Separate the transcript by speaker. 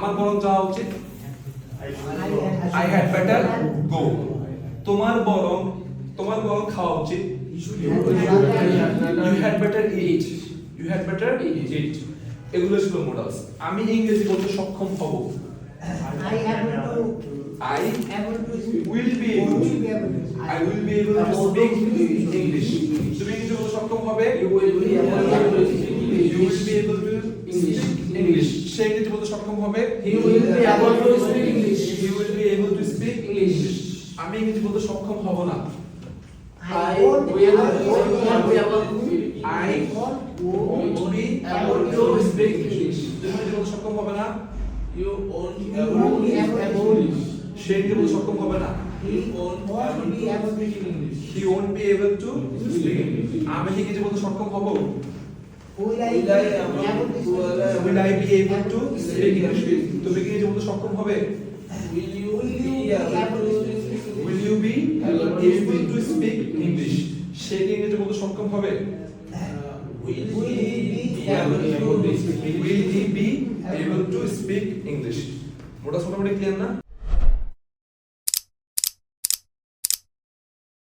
Speaker 1: আমার বরং যাওয়া উচিত I had better go তোমার বরং খাওয়া উচিত you had better eat এগুলো ছিল মডালস আমি ইংরেজি বলতে সক্ষম হব I will be able to speak English তুমি ইংরেজি বলতে সক্ষম হবে you will be able to speak English সে ইংরেজি বলতে সক্ষম হবে
Speaker 2: he will be able to speak English
Speaker 1: আমি ইংরেজি বলতে সক্ষম হব না
Speaker 2: I won't be able to speak English
Speaker 1: তুমি ইংরেজি বলতে সক্ষম হবে না
Speaker 2: you won't be able to speak English
Speaker 1: সে ইংরেজি বলতে সক্ষম হবে না
Speaker 2: he won't be able to speak English
Speaker 1: he won't be able to speak English আমি ইংরেজি বলতে সক্ষম হব
Speaker 3: Will I be able to
Speaker 1: speak English তুমি কি ইংরেজি বলতে সক্ষম হবে
Speaker 2: will you be able to speak English
Speaker 1: সে কি ইংরেজি বলতে সক্ষম হবে
Speaker 2: will he be able to speak English
Speaker 1: মোটামুটি ক্লিয়ার না